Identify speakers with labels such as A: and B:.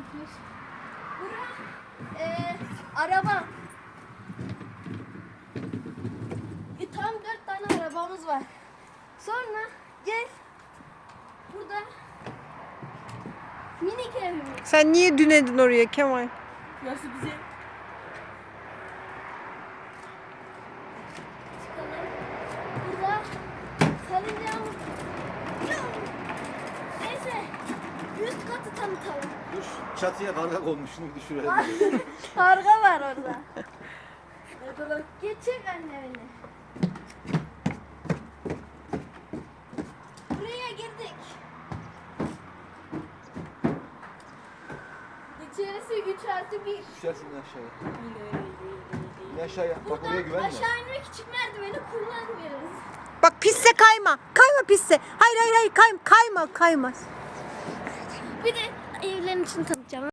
A: Araba. Tam 4 tane arabamız var. Sonra gel. Burada minik evimiz.
B: Sen niye dünedin oraya Kemal?
C: Nasıl bize?
A: Çıkalım. Burada salıncağımız. Neyse. Üst katı tanıtalım.
D: Dur çatıya karga konmuş şunu bir düşürelim.
A: Karga var orada. Geçecek anne beni. Buraya girdik. İçerisi 3+1.
D: Düşersin aşağıya. İn aşağıya. Bak oraya
A: Buradan
D: güvenme.
A: aşağı inmek için merdiveni kullanmıyoruz.
B: Bak pisse kayma. Kayma pisse. Hayır kayma. Kaymaz.
A: Bir de evlerin için tanıtacağım.